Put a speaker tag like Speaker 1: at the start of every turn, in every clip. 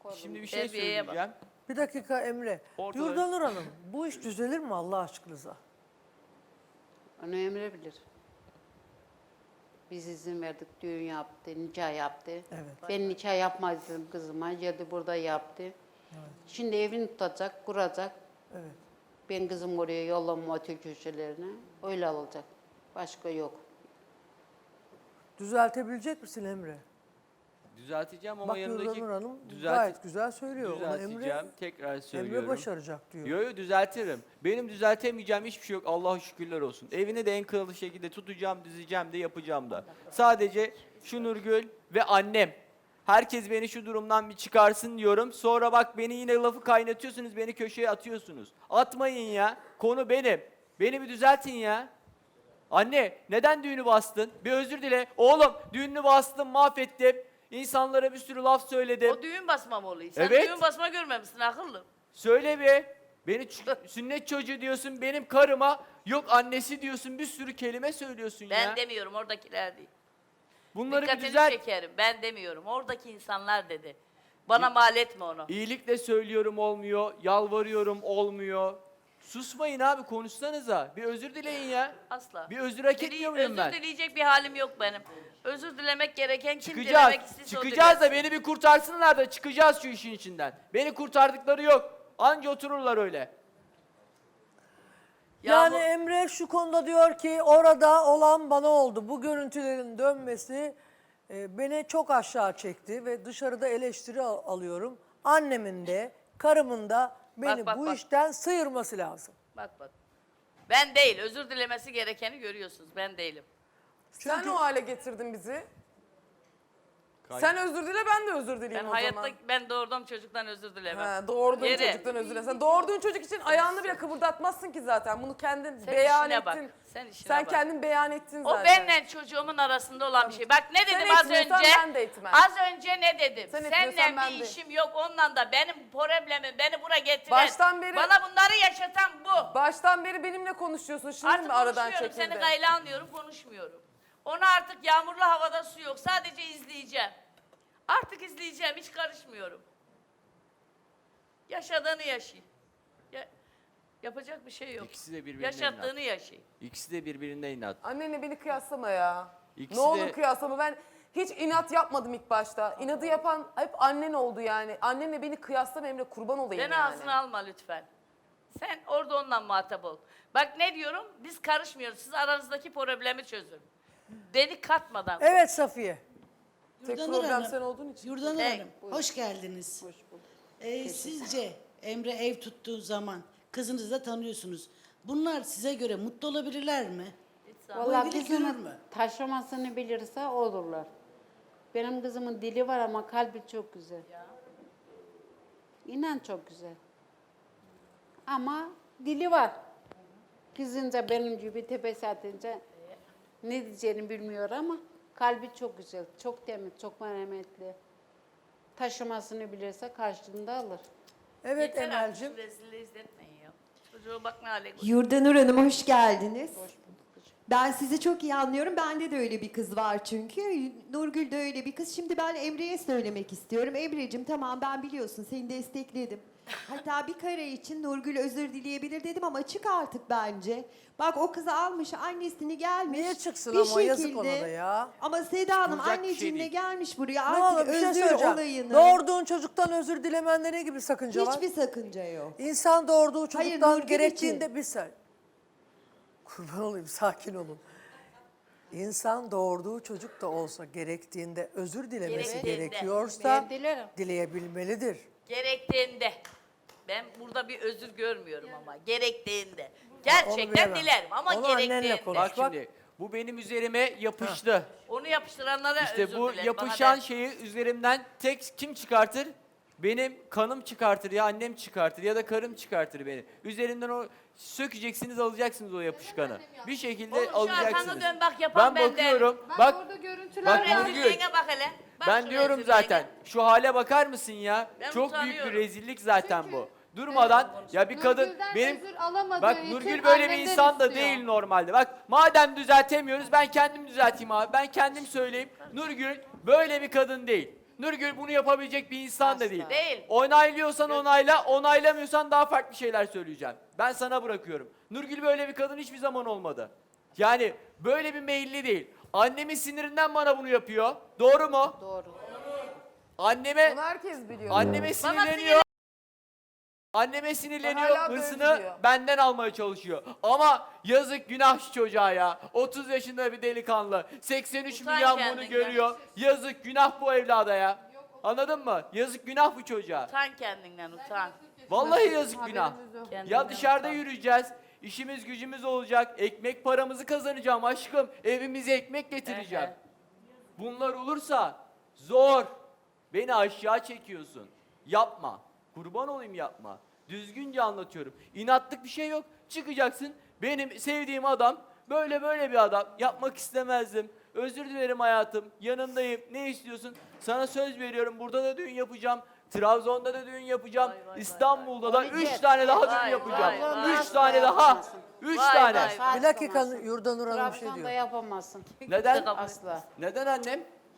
Speaker 1: Şimdi bir şey
Speaker 2: Terbiyeye bak.
Speaker 1: söyleyeceğim.
Speaker 3: Bir dakika Emre.
Speaker 1: Ortada-
Speaker 3: Yurdanur Hanım bu iş düzelir mi Allah aşkınıza?
Speaker 4: Onu Emre bilir. Biz izin verdik, düğün yaptı, nikah yaptı.
Speaker 3: Evet.
Speaker 4: Ben nikah yapmadım kızıma, geldi burada yaptı. Şimdi evini tutacak, kuracak.
Speaker 3: Evet.
Speaker 4: Ben kızım oraya yollamam otel köşelerine. Öyle alacak. Başka yok.
Speaker 3: Düzeltebilecek misin Emre?
Speaker 1: Düzelteceğim ama
Speaker 3: Bak
Speaker 1: yanındaki...
Speaker 3: Yurdanur Hanım
Speaker 1: Düzelt-
Speaker 3: gayet güzel söylüyor. Onu
Speaker 1: Düzelteceğim. Tekrar söylüyorum.
Speaker 3: Emre başaracak diyor.
Speaker 1: Yo düzeltirim. Benim düzeltemeyeceğim hiçbir şey yok. Allah'a şükürler olsun. Evini de en kralı şekilde tutacağım, dizeceğim de yapacağım da. Sadece şu Nurgül ve annem. Herkes beni şu durumdan bir çıkarsın diyorum. Sonra bak beni yine lafı kaynatıyorsunuz, beni köşeye atıyorsunuz. Atmayın ya. Konu benim. Beni bir düzeltin ya. Anne neden düğünü bastın? Bir özür dile. Oğlum düğününü bastım, mahvettim. İnsanlara bir sürü laf söyledim.
Speaker 2: O düğün basma mı oluyor? Sen
Speaker 1: Evet.
Speaker 2: düğün basma görmemişsin akıllı.
Speaker 1: Söyle be. Beni sünnet çocuğu diyorsun, benim karıma yok annesi diyorsun, bir sürü kelime söylüyorsun
Speaker 2: Ben
Speaker 1: ya.
Speaker 2: demiyorum, oradakiler değil.
Speaker 1: Bunları bir
Speaker 2: Dikkatini
Speaker 1: düzelt.
Speaker 2: çekerim. Ben demiyorum. Oradaki insanlar dedi. Bana mal etme onu.
Speaker 1: İyilikle söylüyorum olmuyor, yalvarıyorum olmuyor. Susmayın abi, konuşsanıza. Bir özür dileyin ya.
Speaker 2: Asla.
Speaker 1: Bir özür hak etmiyor muyum ben?
Speaker 2: Özür dileyecek bir halim yok benim. Özür dilemek gereken kim
Speaker 1: Çıkacağız.
Speaker 2: dilemek istiyse o
Speaker 1: Çıkacağız da
Speaker 2: dilesin.
Speaker 1: beni bir kurtarsınlar da çıkacağız şu işin içinden. Beni kurtardıkları yok. Anca otururlar öyle.
Speaker 3: Yani
Speaker 2: bu-
Speaker 3: Emre şu konuda diyor ki orada olan bana oldu. Bu görüntülerin dönmesi beni çok aşağı çekti ve dışarıda eleştiri alıyorum. Annemin de karımın da beni
Speaker 2: bak,
Speaker 3: bu
Speaker 2: bak.
Speaker 3: işten sıyırması lazım.
Speaker 2: Bak. Ben değil. Özür dilemesi gerekeni görüyorsunuz. Ben değilim.
Speaker 5: Sen o hale getirdin bizi. Sen özür dile, ben de özür dileyim
Speaker 2: Ben
Speaker 5: o
Speaker 2: hayatta
Speaker 5: zaman.
Speaker 2: ben doğurduğum çocuktan özür dilemem.
Speaker 5: Ha, doğurduğun
Speaker 2: Yere.
Speaker 5: çocuktan özür dile. Sen doğurduğun çocuk için ayağını bile kıpırdatmazsın ki zaten. Bunu kendin
Speaker 2: Sen
Speaker 5: beyan
Speaker 2: işine
Speaker 5: ettin.
Speaker 2: bak, sen işine
Speaker 5: Sen
Speaker 2: bak.
Speaker 5: kendin beyan ettin
Speaker 2: O
Speaker 5: zaten.
Speaker 2: benle çocuğumun arasında olan bir şey. Bak ne
Speaker 5: Sen
Speaker 2: dedim az
Speaker 5: etmiyorsan
Speaker 2: önce?
Speaker 5: ben de etmem.
Speaker 2: Az önce ne dedim?
Speaker 5: Sen etmiyorsan
Speaker 2: Seninle
Speaker 5: ben
Speaker 2: bir
Speaker 5: de.
Speaker 2: işim yok. Onunla da benim problemim, beni buraya getiren.
Speaker 5: Baştan beri-
Speaker 2: Bana bunları yaşatan bu.
Speaker 5: Baştan beri benimle konuşuyorsun. Şimdi
Speaker 2: Artık
Speaker 5: mi aradan
Speaker 2: konuşmuyorum.
Speaker 5: çekildi?
Speaker 2: Seni gayla anlıyorum, konuşmuyorum. Onu artık yağmurlu havada su yok. Sadece izleyeceğim. Artık izleyeceğim. Hiç karışmıyorum. Yaşadığını yaşayın. Yapacak bir şey yok.
Speaker 1: İkisi de birbirine
Speaker 2: Yaşattığını yaşayın.
Speaker 1: İkisi de birbirine inat.
Speaker 5: Annenle beni kıyaslama ya.
Speaker 1: İkisi
Speaker 5: ne olur
Speaker 1: de-
Speaker 5: kıyaslama. Ben hiç inat yapmadım ilk başta. İnadı yapan hep annen oldu yani. Annenle beni kıyaslama Emre, kurban olayım
Speaker 2: Beni
Speaker 5: yani.
Speaker 2: ağzına alma lütfen. Sen orada onunla muhatap ol. Bak ne diyorum? Biz karışmıyoruz. Siz aranızdaki problemi çözün. Beni katmadan.
Speaker 3: Evet Safiye.
Speaker 5: Tek
Speaker 6: Yurdanur
Speaker 5: problem
Speaker 6: Hanım,
Speaker 5: sen olduğun için.
Speaker 6: Yurdanur
Speaker 2: Hey,
Speaker 6: Hanım, hoş geldiniz. Sizce Emre ev tuttuğu zaman kızınızı da tanıyorsunuz. Bunlar size göre mutlu olabilirler mi? Bu
Speaker 4: Vallahi
Speaker 6: evlilik
Speaker 4: kızını
Speaker 6: yürür mü?
Speaker 4: taşımasını bilirse olurlar. Benim kızımın dili var ama kalbi çok güzel. İnan çok güzel. Ama dili var. Kızınca benim gibi tepesi atınca ne diyeceğini bilmiyor ama kalbi çok güzel, çok temiz, çok merhametli. Taşımasını bilirse karşılığında alır.
Speaker 3: Evet
Speaker 2: Yeter artık
Speaker 3: Emel'cim.
Speaker 2: şu rezilliği izletmeyin ya. Çocuğu bak ne hale koyuyor.
Speaker 7: Yurdanur Hanım hoş geldiniz. Ben sizi çok iyi anlıyorum. Bende de öyle bir kız var çünkü. Nurgül de öyle bir kız. Şimdi ben Emre'ye söylemek istiyorum. Emre'cim tamam ben biliyorsun seni destekledim. Hatta bir kare için Nurgül özür dileyebilir dedim ama çık artık bence. Bak o kızı almış annesini gelmiş.
Speaker 3: Niye çıksın
Speaker 7: bir
Speaker 3: ama yazık ona da ya.
Speaker 7: Ama Seda Hanım
Speaker 1: Çıkılacak bir şey
Speaker 7: anneciğimle
Speaker 1: değil.
Speaker 7: gelmiş buraya
Speaker 3: Ne olur
Speaker 7: artık
Speaker 3: bir şey
Speaker 7: özür
Speaker 3: söyleyeceğim.
Speaker 7: olayını.
Speaker 3: Doğurduğun çocuktan özür dilemende ne gibi sakınca var?
Speaker 7: Hiçbir sakınca yok.
Speaker 3: İnsan doğurduğu
Speaker 7: Hayır,
Speaker 3: çocuktan
Speaker 7: Nurgül
Speaker 3: gerektiğinde
Speaker 7: için.
Speaker 3: bir saniye. Kurban olayım sakin olun. İnsan doğurduğu çocuk da olsa gerektiğinde özür dilemesi
Speaker 2: Gerektiğinde.
Speaker 3: gerekiyorsa
Speaker 4: Ben dilerim.
Speaker 3: dileyebilmelidir.
Speaker 2: Gerektiğinde. Ben burada bir özür görmüyorum ama. Gerektiğinde.
Speaker 3: Onu
Speaker 2: Gerçekten
Speaker 3: bilemem.
Speaker 2: dilerim ama
Speaker 3: Onu annenle
Speaker 2: gerektiğinde.
Speaker 3: konuş.
Speaker 1: Bak
Speaker 3: Bak.
Speaker 1: şimdi bu benim üzerime yapıştı.
Speaker 2: Onu yapıştıranlara
Speaker 1: İşte
Speaker 2: özür
Speaker 1: bu
Speaker 2: dilerim.
Speaker 1: yapışan
Speaker 2: Bana
Speaker 1: şeyi üzerimden tek kim çıkartır? Benim kanım çıkartır ya annem çıkartır ya da karım çıkartır beni. Üzerimden o sökeceksiniz alacaksınız o yapışkanı. Bir şekilde
Speaker 2: Oğlum şu
Speaker 1: alacaksınız.
Speaker 2: arkanı dön bak yapan
Speaker 1: Ben
Speaker 2: ben
Speaker 1: bakıyorum.
Speaker 4: Bak
Speaker 1: Bak
Speaker 4: orada görüntüler
Speaker 1: bak
Speaker 4: var.
Speaker 1: Nurgül.
Speaker 2: Rezilliğine bak hele. Bak
Speaker 1: Ben
Speaker 2: şu
Speaker 1: diyorum
Speaker 2: rezilliğine.
Speaker 1: zaten. Şu hale bakar mısın ya?
Speaker 2: Ben
Speaker 1: Çok büyük bir
Speaker 2: utanıyorum.
Speaker 1: rezillik zaten bu. Durmadan ya bir kadın
Speaker 4: Nurgül'den
Speaker 1: benim
Speaker 4: özür alamadığı
Speaker 1: bak
Speaker 4: için
Speaker 1: Nurgül böyle bir
Speaker 4: annemden
Speaker 1: insan da
Speaker 4: istiyor.
Speaker 1: değil normalde. Bak madem düzeltemiyoruz ben kendim düzelteyim abi. Ben kendim söyleyeyim. Nurgül böyle bir kadın değil. Nurgül bunu yapabilecek bir insan da
Speaker 4: Asla.
Speaker 1: değil.
Speaker 2: Değil.
Speaker 1: Onaylıyorsan onayla, onaylamıyorsan daha farklı şeyler söyleyeceğim. Ben sana bırakıyorum. Nurgül böyle bir kadın hiçbir zaman olmadı. Yani böyle bir meyilli değil. Annemin sinirinden bana bunu yapıyor. Doğru mu?
Speaker 4: Doğru.
Speaker 1: Anneme
Speaker 5: Bunu herkes biliyor.
Speaker 1: anneme sinirleniyor. Anneme sinirleniyor,
Speaker 5: Hala da
Speaker 1: hırsını
Speaker 5: özlüyor.
Speaker 1: benden almaya çalışıyor. Ama yazık günah şu çocuğa ya. 30 yaşında bir delikanlı. 83
Speaker 2: Utan
Speaker 1: milyon bunu
Speaker 2: kendinden.
Speaker 1: görüyor. Yazık günah bu evlada ya. Anladın mı? Yazık günah bu çocuğa.
Speaker 2: Utan kendinden utan.
Speaker 1: Vallahi yazık günah.
Speaker 2: Kendinden
Speaker 1: Ya dışarıda
Speaker 2: utan.
Speaker 1: yürüyeceğiz. İşimiz gücümüz olacak. Ekmek paramızı kazanacağım aşkım. Evimize ekmek getireceğim.
Speaker 2: Ehe.
Speaker 1: Bunlar olursa zor. Beni aşağı çekiyorsun. Yapma. Kurban olayım yapma. Düzgünce anlatıyorum. İnatlık bir şey yok. Çıkacaksın. Benim sevdiğim adam böyle bir adam. Yapmak istemezdim. Özür dilerim hayatım. Yanındayım. Ne istiyorsun? Sana söz veriyorum. Burada da düğün yapacağım. Trabzon'da da düğün yapacağım.
Speaker 2: Vay, vay,
Speaker 1: İstanbul'da da
Speaker 4: vay.
Speaker 1: 3 tane daha
Speaker 2: Vay,
Speaker 1: düğün yapacağım.
Speaker 2: vay, vay.
Speaker 1: 3 tane daha. 3
Speaker 2: Vay,
Speaker 1: tane.
Speaker 2: vay.
Speaker 3: Bir dakika Yurdanur Hanım bir şey
Speaker 4: Trabzon'da
Speaker 3: diyor.
Speaker 4: yapamazsın.
Speaker 1: Neden?
Speaker 4: Asla.
Speaker 1: Neden annem?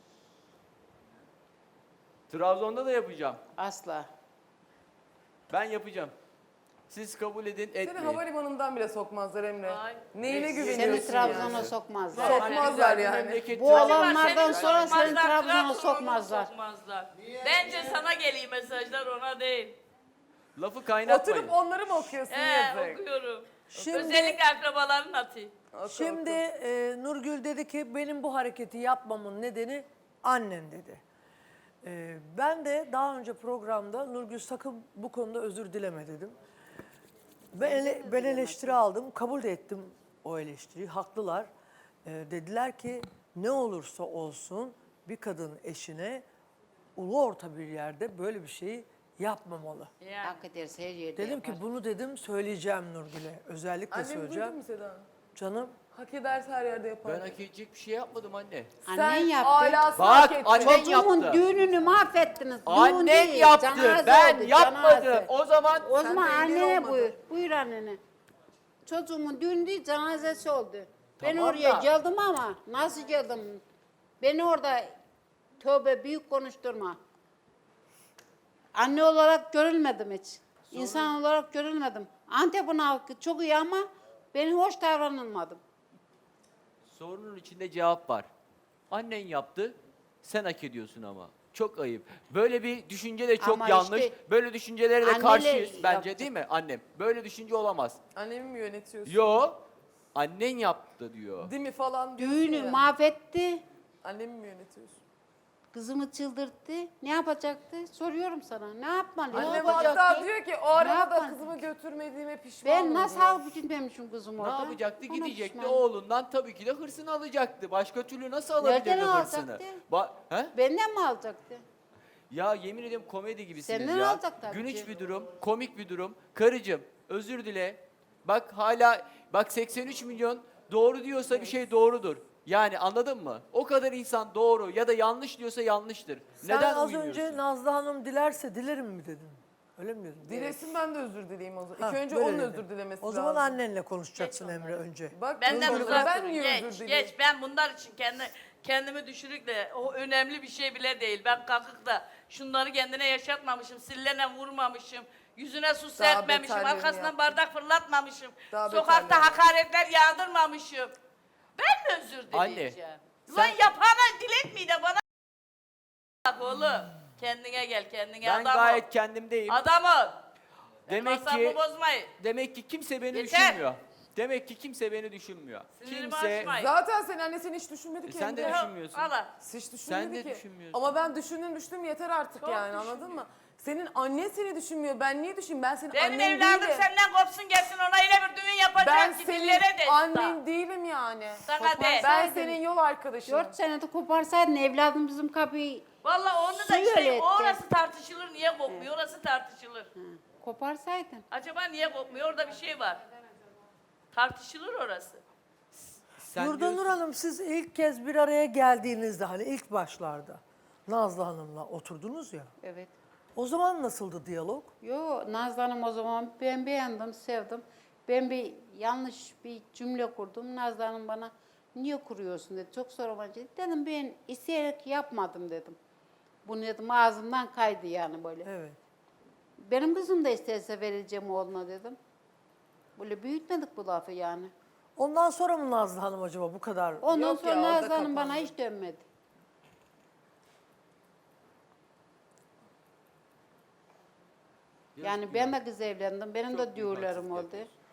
Speaker 1: Trabzon'da da yapacağım.
Speaker 4: Asla.
Speaker 1: Ben yapacağım. Siz kabul edin,
Speaker 5: Seni
Speaker 1: etmeyin.
Speaker 5: havalimanından bile sokmazlar Emre.
Speaker 2: Ay.
Speaker 5: Neyine
Speaker 4: Seni
Speaker 5: güveniyorsun
Speaker 4: Trabzon'a
Speaker 5: yani?
Speaker 4: sokmazlar.
Speaker 5: Sokmazlar
Speaker 1: Güzel bir
Speaker 5: yani.
Speaker 1: memleket
Speaker 4: Bu
Speaker 1: Trabzon.
Speaker 4: olanlardan
Speaker 2: Seni
Speaker 4: sonra seni
Speaker 2: sokmazlar,
Speaker 4: Trabzon'a
Speaker 2: Trabzon'a
Speaker 4: sokmazlar.
Speaker 2: Bence sana geliyor mesajlar, ona değil.
Speaker 1: Lafı kaynatmayın.
Speaker 5: Oturup onları mı okuyorsun yazık?
Speaker 2: Okuyorum.
Speaker 3: Şimdi-
Speaker 2: Özellikle akrabaların atıyor.
Speaker 3: Şimdi Nurgül dedi ki benim bu hareketi yapmamın nedeni annen dedi. Ben de daha önce programda Nurgül sakın bu konuda özür dileme dedim. Ben eleştiri aldım, kabul de ettim o eleştiriyi, haklılar. Dediler ki ne olursa olsun bir kadın eşine ulu orta bir yerde böyle bir şeyi yapmamalı.
Speaker 2: Yani.
Speaker 4: Hak ederse her yerde
Speaker 3: Dedim
Speaker 4: yapar.
Speaker 3: ki bunu dedim söyleyeceğim Nurgül'e, özellikle
Speaker 5: Annemi duydun
Speaker 3: söyleyeceğim.
Speaker 5: mu Seda?
Speaker 3: Canım
Speaker 5: Hak ederse her yerde yapar.
Speaker 1: Ben hak edecek bir şey yapmadım anne.
Speaker 4: Annen
Speaker 5: Sen
Speaker 4: yaptı.
Speaker 5: alasını
Speaker 1: Bak,
Speaker 5: hak ettin.
Speaker 1: annen
Speaker 4: Çocuğumun
Speaker 1: yaptı.
Speaker 4: düğününü mahvettiniz. Düğün
Speaker 1: Annen
Speaker 4: değil,
Speaker 1: yaptı.
Speaker 4: cenaze
Speaker 1: Ben
Speaker 4: oldu,
Speaker 1: yapmadım.
Speaker 4: cenaze.
Speaker 1: O zaman
Speaker 4: O
Speaker 5: Sen
Speaker 4: zaman
Speaker 5: de engel
Speaker 4: annene
Speaker 5: olmadın.
Speaker 4: buyur. Buyur annene. Çocuğumun düğün değil, cenazesi oldu. Ben
Speaker 1: Tamam
Speaker 4: oraya
Speaker 1: da-
Speaker 4: geldim ama nasıl geldim? Beni orada tövbe büyük konuşturma. Anne olarak görülmedim hiç. İnsan olarak görülmedim. Antep'in halkı çok iyi ama ben hoş davranılmadım.
Speaker 1: sorunun içinde cevap var. Annen yaptı. Sen hak ediyorsun ama. Çok ayıp. Böyle bir düşünce de çok
Speaker 4: Ama
Speaker 1: yanlış.
Speaker 4: işte
Speaker 1: Böyle düşüncelere de
Speaker 4: anneler
Speaker 1: karşıyız bence
Speaker 4: yaptı.
Speaker 1: değil mi annem? Böyle düşünce olamaz.
Speaker 5: Annemi mi yönetiyorsun?
Speaker 1: Yo. Annen yaptı diyor.
Speaker 5: Değil mi falan diyorsun
Speaker 4: Düğünü
Speaker 5: ya.
Speaker 4: mahvetti.
Speaker 5: Annemi mi yönetiyorsun?
Speaker 4: Kızımı çıldırttı. Ne yapacaktı? Soruyorum sana. Ne yapmalı?
Speaker 5: Annem
Speaker 1: yapacaktı?
Speaker 5: hatta diyor ki o arada da
Speaker 4: yapacaktı?
Speaker 5: kızımı götürmediğime pişmanım
Speaker 4: Ben nasıl
Speaker 5: diyor.
Speaker 4: halbuki gitmemişim kızım
Speaker 1: Ne
Speaker 4: orada?
Speaker 1: yapacaktı?
Speaker 4: Ona
Speaker 1: Gidecekti
Speaker 4: pişmanım.
Speaker 1: oğlundan tabii ki de hırsını alacaktı. Başka türlü nasıl alabilirdi
Speaker 4: Nereden
Speaker 1: hırsını?
Speaker 4: alacaktı?
Speaker 1: He?
Speaker 4: Benden mi alacaktı?
Speaker 1: Ya yemin ediyorum komedi gibisiniz
Speaker 4: Senden
Speaker 1: ya.
Speaker 4: alacak tabii
Speaker 1: Gülünç
Speaker 4: ki.
Speaker 1: bir durum, komik bir durum. Karıcığım özür dile. Bak hala bak 83 milyon doğru diyorsa bir şey doğrudur. Yani anladın mı? O kadar insan doğru ya da yanlış diyorsa yanlıştır.
Speaker 3: sen
Speaker 1: Neden
Speaker 3: az
Speaker 1: uymuyorsun?
Speaker 3: önce Nazlı Hanım dilerse dilerim mi dedin? Öyle mi dedin?
Speaker 5: Dilesin ben de özür dileyeyim o zaman.
Speaker 3: Ha,
Speaker 5: İlk önce
Speaker 3: böyle
Speaker 5: onun
Speaker 3: dedin.
Speaker 5: özür dilemesi
Speaker 3: O zaman
Speaker 5: lazım.
Speaker 3: annenle konuşacaksın Emre önce.
Speaker 5: Bak
Speaker 2: Benden
Speaker 5: özür
Speaker 2: uzak
Speaker 5: ben
Speaker 2: durun.
Speaker 5: niye özür
Speaker 2: Geç,
Speaker 5: dileyeyim?
Speaker 2: geç. Ben bunlar için kendimi düşürükle, o önemli bir şey bile değil. Ben kalkıp da şunları kendine yaşatmamışım, sillerine vurmamışım, yüzüne su serpmemişim,
Speaker 5: beterlerini
Speaker 2: arkasından
Speaker 5: yaptın.
Speaker 2: bardak fırlatmamışım,
Speaker 5: Daha
Speaker 2: sokakta
Speaker 5: beterlerini.
Speaker 2: hakaretler yağdırmamışım. Ben mi özür
Speaker 1: Anne,
Speaker 2: dileyeceğim?
Speaker 1: sen-
Speaker 2: Lan yapana diletmeyi de bana bak oğlum. Kendine gel, kendine
Speaker 1: Ben
Speaker 2: adam
Speaker 1: gayet
Speaker 2: ol.
Speaker 1: kendimdeyim.
Speaker 2: Adam ol.
Speaker 1: Demek
Speaker 2: Masrafı
Speaker 1: ki
Speaker 2: bozmayın.
Speaker 1: demek ki kimse beni
Speaker 2: Yeter.
Speaker 1: düşünmüyor. Demek ki kimse beni düşünmüyor.
Speaker 2: Sinirimi
Speaker 1: Kimse
Speaker 2: açmayın.
Speaker 5: Zaten senin annen seni hiç düşünmedi ki.
Speaker 1: sen de
Speaker 5: Emre.
Speaker 1: düşünmüyorsun.
Speaker 2: Allah.
Speaker 5: Hiç düşünmedi
Speaker 1: Sen de
Speaker 5: ki.
Speaker 1: düşünmüyorsun.
Speaker 5: Ama ben düştüm yeter artık
Speaker 2: Çok
Speaker 5: yani anladın mı? Senin annen seni düşünmüyor. Ben niye düşüneyim? Ben senin
Speaker 2: Benim
Speaker 5: annen
Speaker 2: evladım
Speaker 5: değilim.
Speaker 2: senden kopsun gelsin, ona yine bir düğün yapacak
Speaker 5: Ben
Speaker 2: ki
Speaker 5: senin
Speaker 2: dillere de.
Speaker 5: annen değilim yani.
Speaker 2: Sana de.
Speaker 5: Ben senin yol arkadaşınım.
Speaker 4: 4 senede koparsaydın evladım bizim kapıyı
Speaker 2: Vallahi onu da
Speaker 4: Suyu
Speaker 2: işte
Speaker 4: öyle etti.
Speaker 2: orası tartışılır, niye kopmuyor? Orası tartışılır.
Speaker 4: koparsaydın.
Speaker 2: Acaba niye kopmuyor? Orada bir şey var. Tartışılır orası.
Speaker 1: Sen
Speaker 3: Yurdanur
Speaker 1: diyorsun-
Speaker 3: Hanım siz ilk kez bir araya geldiğinizde hani ilk başlarda Nazlı Hanım'la oturdunuz ya.
Speaker 4: Evet.
Speaker 3: O zaman nasıldı diyalog?
Speaker 4: Yo Nazlı Hanım o zaman ben beğendim, sevdim. Ben bir yanlış bir cümle kurdum. Nazlı Hanım bana niye kuruyorsun dedi. Çok sormacı. Dedim ben isteyerek yapmadım dedim. Bunu dedim ağzımdan kaydı yani böyle.
Speaker 3: Evet.
Speaker 4: Benim kızım da isterse vereceğim oğluna dedim. Böyle büyütmedik bu lafı yani.
Speaker 3: Ondan sonra mı Nazlı Hanım acaba bu kadar?
Speaker 4: Ondan
Speaker 5: Yok ya,
Speaker 4: sonra
Speaker 5: orada
Speaker 4: Nazlı Hanım bana
Speaker 5: kapandı.
Speaker 4: hiç dönmedi. Yani ben de kız evlendim. Benim de düğürlerim oldu.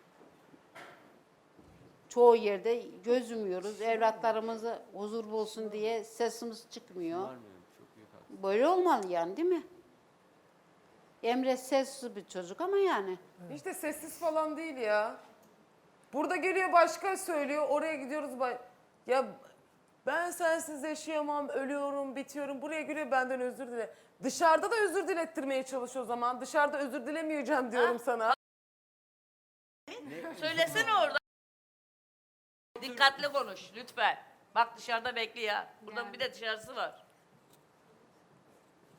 Speaker 4: Çoğu yerde göz yumuyoruz. Evlatlarımızı huzur bulsun diye sesimiz çıkmıyor. Böyle olmalı yani değil mi? Emre sessiz bir çocuk ama yani.
Speaker 5: Hiç de sessiz falan değil ya. Burada geliyor başka söylüyor. Oraya gidiyoruz. Ya ben sensiz yaşayamam, ölüyorum, bitiyorum. Buraya geliyor benden özür dile. Dışarıda da özür dilettirmeye çalışıyor o zaman. Dışarıda özür dilemeyeceğim diyorum sana.
Speaker 2: Söylesene orada. Dikkatli konuş lütfen. Bak dışarıda bekliyor. Burada bir de dışarısı var.